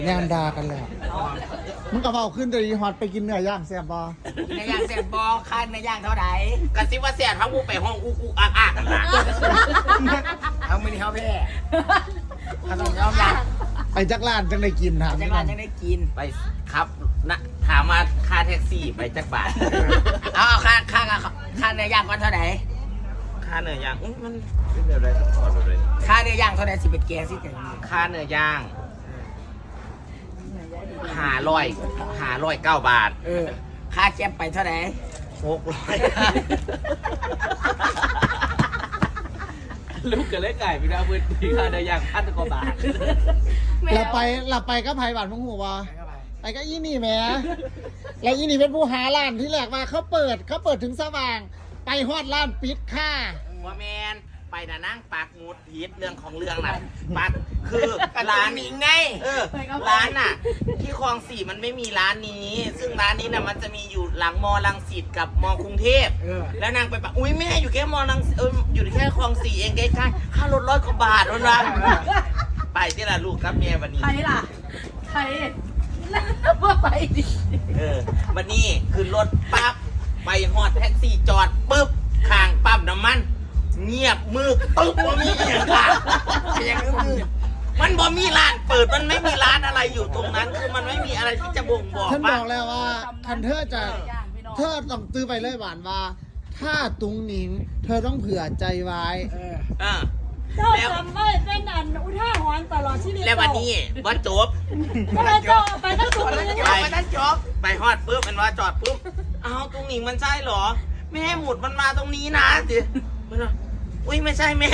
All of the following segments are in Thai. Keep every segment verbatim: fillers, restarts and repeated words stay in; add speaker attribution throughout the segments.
Speaker 1: งานดากันแล้วมึงกระเพราขึ้นเลยฮอตไปกินเนื้อย่างแซ่บบอ
Speaker 2: เนื้อย่างแซ่บบอค่าเนื้อย่างเท่าไหร่กระซิบว่าแซ่บทั้งกูไปห้องอูกูอักอักเอาไม่ได้เขาแพ้เขาต้องยอมรับ
Speaker 1: ไปจักรลานจังได้กินถาม
Speaker 2: จักรลานจังได้กินไปครับนะถามมาค่าแท็กซี่ไปจักบาทเอาเอาค่าค่าค่าเนื้อย่างก่อนเท่าไหร่ค่าเนื้อย่างมันเป็นแบบไรต้องขอดูเลยค่าเนื้อย่างเท่าไหร่สิเป็นแกงสิแต่ค่าเนื้อย่างห้าร้อยห้าร้อยเก้าบาทเออค่าแก๊ปไปเท่าไหร่หกร้อยลูกกับเล็กไก่พี่ดาวมือดีค่าเนื้อย่างพันกว่าบาท
Speaker 1: เราไปเราไปก็ไผ่บาทมึงหัววะไปก็อีนี่แม่แล้วอีนี่เป็นผู้หาร้านที่แรกมาเขาเปิดเขาเปิดถึงสว่างไปฮอดร้านปิดค่า
Speaker 2: ว่าแมนไปน่ะนั่งปากมูดพีดเรื่องของเรื่องน่ะปักคือร้านนี้ไงเออร้านน่ะที่คลองสี่มันไม่มีร้านนี้ซึ่งร้านนี้น่ะมันจะมีอยู่หลังมอลังสิตกับมอกรุงเทพแล้วนางไปปะอุ้ยแม่อยู่แค่มอลังเอออยู่แค่คลองสี่เองใกล้ๆค่ารถร้อยกว่าบาทแล้วนะไปที่ละลูกครับเมียวันนี้
Speaker 3: ใครล่ะใครว่าไปดิ
Speaker 2: เออวันนี้คือรถปั๊บไปฮอดแท็กซี่จอดปุ๊บข้างปั๊มน้ำมันเงียบมืดตึ๊บบ่มีอย่างค่ะอย่างมืดมันบ่มีร้านเปิดมันไม่มีร้านอะไรอยู่ตรงนั้นคือมันไม่มีอะไรที่จะบ่งบอก
Speaker 1: ฉันบอกแล้วว่าคันเธอจะเธอต้องตื้อไปเลยหวานว่าถ้าตุงหนิงเธอต้องเผื่อใจไว้
Speaker 2: เออ
Speaker 3: เจ้าจำไว้เป็นอันอุท่าหอนตลอดชีวิต
Speaker 2: แล้ววันนี้ว่าจบ
Speaker 3: ไปจบไปทั้งสุดเลย
Speaker 2: ไปทั้งจบไปฮอดปุ๊บมันว่าจอดปุ๊บอ้าวตุงหนิงมันใช่หรอแม่หมุดมันมาตรงนี้นะสิอุ้ยไม่ใช่แม่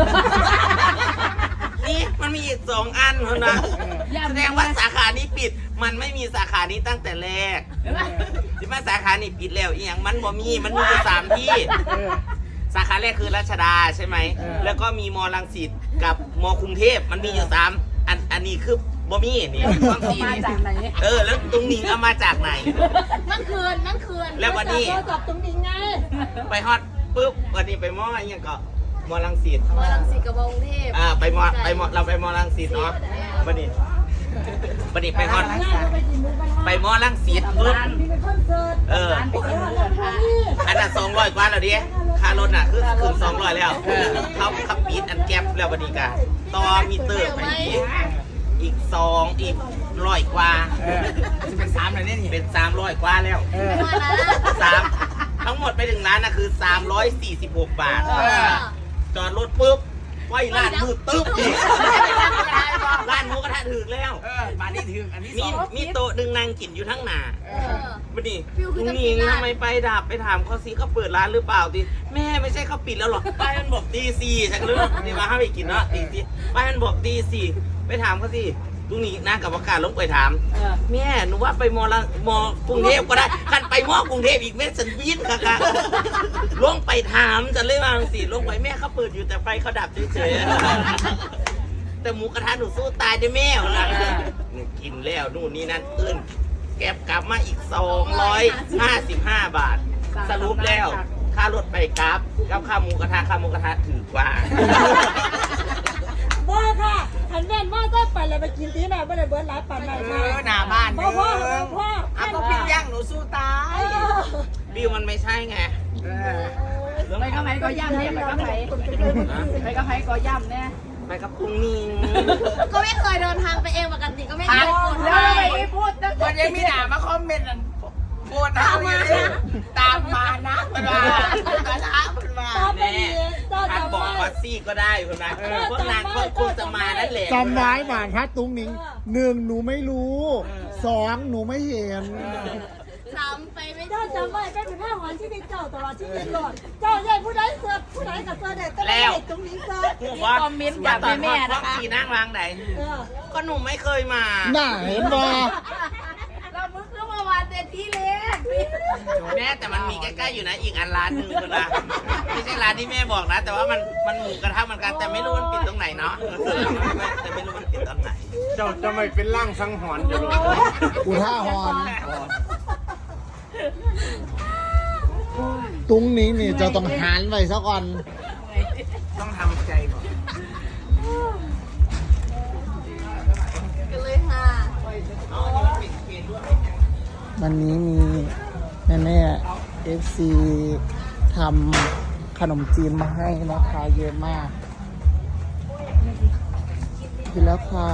Speaker 2: นี่มันมีอีกสองอันเท่านั้นแสดงว่าสาขานี้ปิดมันไม่มีสาขานี้ตั้งแต่แรกที่มาสาขานี้ปิดแล้วอีกอย่างมันบ่มีมันมีอยู่สามที่สาขาแรกคือรัชดาใช่ไหมแล้วก็มีมอลังสิตกับมอกรุงเทพมันมีอยู่สามอันอันนี้คือบ่มีนี่ต้องสี
Speaker 3: มาจากไหน
Speaker 2: เออแล้วตรงนี้เอามาจากไหน
Speaker 3: นั่นคืนนั่นคืน
Speaker 2: แล้ววันนี้
Speaker 3: จับตรงนี้ไง
Speaker 2: ไปฮอตปุ๊บวันนี้ไปมออะไรเงี้ยก็มอลังสิต
Speaker 3: มอลังสิตกับมอกรุงเทพ
Speaker 2: อ่าไปมอไปมอเราไปมอลังสิตเนาะบัดนี้บัดนี้ไปฮอตไปมอลังสิตปุ๊บเอออันนั้นสองร้อยกว่าแล้วดิค่ารถน่ะคือคืนสองร้อยแล้วเขาขับปีดอันแก๊ปแล้วบัดนี้กันต่อมีเตอร์ไปอีกอีกสองอีกร้อยกว่าเป็นสามเลยเนี่ยเป็นสามร้อยกว่าแล้วสามทั้งหมดไปถึงร้านนะคือสามร้อยสี่สิบหกบาทจอดรถปุ๊บไฟร้านมืดตึ๊บอีกร้านหมูกระทะถึงแล้วบ้านนี้ถึงอันนี้มีมีโต๊ะดึงนางกินอยู่ทั้งหนาบัดนี้ลุงนิงทำไมไปดับไปถามเขาซิเขาเปิดร้านหรือเปล่าดิแม่ไม่ใช่เขาปิดแล้วหรอป้ายมันบอกตีสี่ฉันก็เลยนี่มาให้ไปกินเนาะตีสี่ป้ายมันบอกตีสี่ไปถามเขาสิลุงนิงนะกับประกาศลงไปถามแม่หนูว่าไปมอละมอกรุงเทพก็ได้ขันไปมอกรุงเทพอีกแม่ฉันวิ่งค่ะค่ะลงไปถามจะเลยว่าสิลงไปแม่เขาเปิดอยู่แต่ไฟเขาดับเฉยๆแต่หมูกระทะหนูสู้ตายได้แม่ละกินแล้วนู่นนี่นั่นอื่นแก็บกลับมาอีกสองร้อยห้าสิบห้าบาทสรุปแล้วค่ารถไปกราฟกับค่าหมูกระทะค่าหมูกระทะถือกว่า
Speaker 3: บ้าค่ะหันแว่นว่าจะไปเลยไปกินที่ไหนไม่ได้เบิร์ดร้านปั่นไหนมา
Speaker 2: หน้าบ้าน
Speaker 3: พ่อพ่อพ่อ
Speaker 2: เอาก็ปิ้งย่างหนูสู้ตายบิวมันไม่ใช่ไง
Speaker 3: ไปกับไผ่ก็ย่ำเนี่ยไปกับไผ่ไปกับไผ่ก็ย่ำเนี่ย
Speaker 2: ไปกับพุงนิง
Speaker 3: ก็ไม่เคยเดินทางไปเองปกติก็ไม่เคยพูดไม่พูด
Speaker 2: วันยังมีหนามาคอมเมนต์พูดตามมาตามมานะเป็นว่าเป็นว่าเป็นว่าแน่ท่านบอกว่าซี่ก็ได้เป็นว่าพวกนางก็คงจะมานั่นแหละ
Speaker 1: จำไว้หวานถ้าตุ้งหนิงหนึ่งหนูไม่รู้สองหนูไม่เห็น
Speaker 3: จำไปไม่ได้จำไว้เป็นผ้าหอนที่มีเจ้าตลอดชีวิตหลอดเจ้าใหญ่ผู้ใดเสือผู้ใดกับเสือเด็กก็ได้ตรงนี้เสือคอมเมนต์จากแม่นะคะ
Speaker 2: ขี่นั่งวางไหนก็หนูไม่เคยมา
Speaker 1: น่าเห็นบ่
Speaker 3: เราเพิ่งเข้ามาวานเต็มที่เล็ก
Speaker 2: แม่แต่มันมีใกล้ๆอยู่นะอีกอันร้านหนึ่งคนละไม่ใช่ร้านที่แม่บอกนะแต่ว่ามันมันหมูกระทะเหมือนกันแต่ไม่รู้มันปิดตรงไหนเนาะแต่ไม่รู้มันปิดตรงไหน
Speaker 4: เจ้าจะไม่เป็นร่างสังหรณ์อยู่หรอ
Speaker 1: อุท่าหอนตุ้งนี้นี่จะต้องหันไว้ซะก่อน
Speaker 2: ต้องทำใจก่อน
Speaker 3: กันเลยค่ะ
Speaker 1: วันนี้มีแม่แม่เอฟซีทำขนมจีนมาให้นะคะเยอะมากกินแล้วค่ะ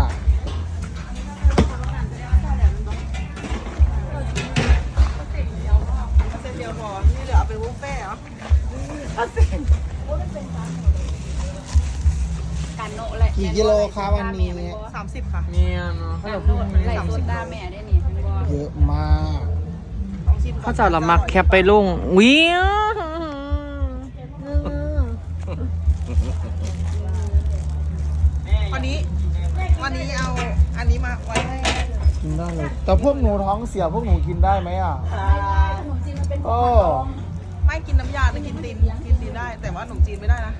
Speaker 1: กี่กิโลคะวันนี้
Speaker 3: สามสิบค่ะ
Speaker 5: เนี่ยเนาะ
Speaker 3: การโน้ตมันได้สดดาแม่ได้นี่
Speaker 1: เยอะมาก
Speaker 5: เขาจะละมักแคปไปลงวิว
Speaker 3: วันนี้ วันนี้เอาอันนี้มาไว้ให้
Speaker 1: กินได้เลย แต่พวกหนูท้องเสียพวกหนูกินได้ไหมอ่ะโอ้
Speaker 3: ไม่กินน้ำยาแต่กินตีนกินตีนได้ แต่ว่าขนมจีนไม่ได้นะ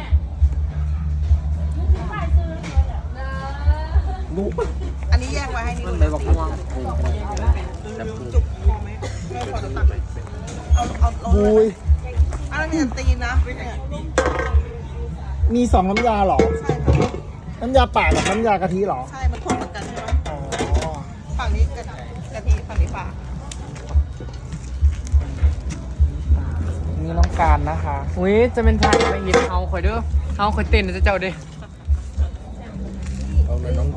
Speaker 1: ดู
Speaker 3: อันนี้แยกไว้ให้นี่
Speaker 5: มันเลยบอกม่วง
Speaker 3: จุกพอไหมไม่พอจะตักไหมเอาเอาเอา
Speaker 1: บุย
Speaker 3: อันนี้ตีนนะเนี่ย
Speaker 1: มีสองน้ำยาเหรอ
Speaker 3: ใช่ค่ะ
Speaker 1: น้ำยาป่ากับน้ำยากะทิเหรอ
Speaker 3: ใช่ มันคนเหมือนกันใช่ไหม
Speaker 1: อ๋อ
Speaker 3: ฝั่งนี้กะกะทิฝั่งนี้ปลา
Speaker 1: นี่น้องการนะคะ
Speaker 5: อุ้ยจะเป็นทางไปหินเอาข่อยเด้อเอาข่อยเต้นจะเจ้าเด้
Speaker 4: เอาเลยน้อง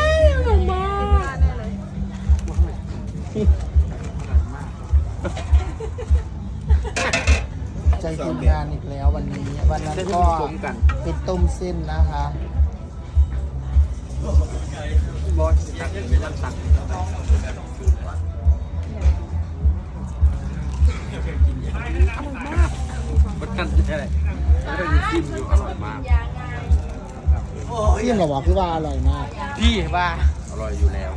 Speaker 1: ใจทีมงานอีกแล้ววันนี้ วันนั้นก็เป็นต้มเส้นนะคะ
Speaker 5: บอสตักไม่ต้องตักมันกันอะไรแล้วก็อยู่จิ้มอยู่อร่อยมาก
Speaker 1: เสี่ยงเหรอวะคือว่าอร่อยมาก
Speaker 5: พี่ว่า
Speaker 4: อร่อยอยู่แล้ว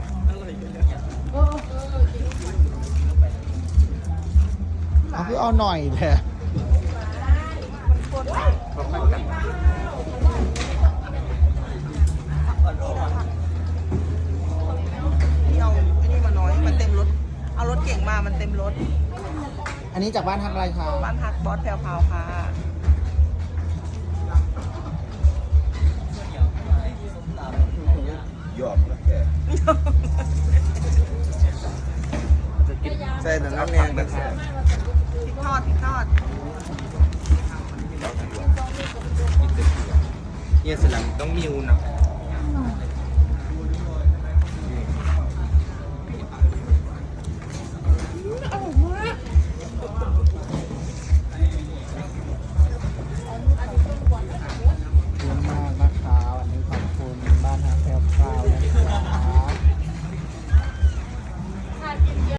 Speaker 1: เอาคือเอาหน่อยแท้
Speaker 3: นี่เอาไอ้นี่มาน้อย มันเต็มรถ เอารถเก่งมา มันเต็มรถ
Speaker 1: อันนี้จากบ้านทางอะไรคะ
Speaker 3: บ้านพักบอสแพรวพราวค่ะ
Speaker 4: ยอมแล้วแกใช่แต่น้ำแดงนะครับ
Speaker 3: พริกทอดพริกทอด
Speaker 2: เนี่ยสลังต้องมิวนะ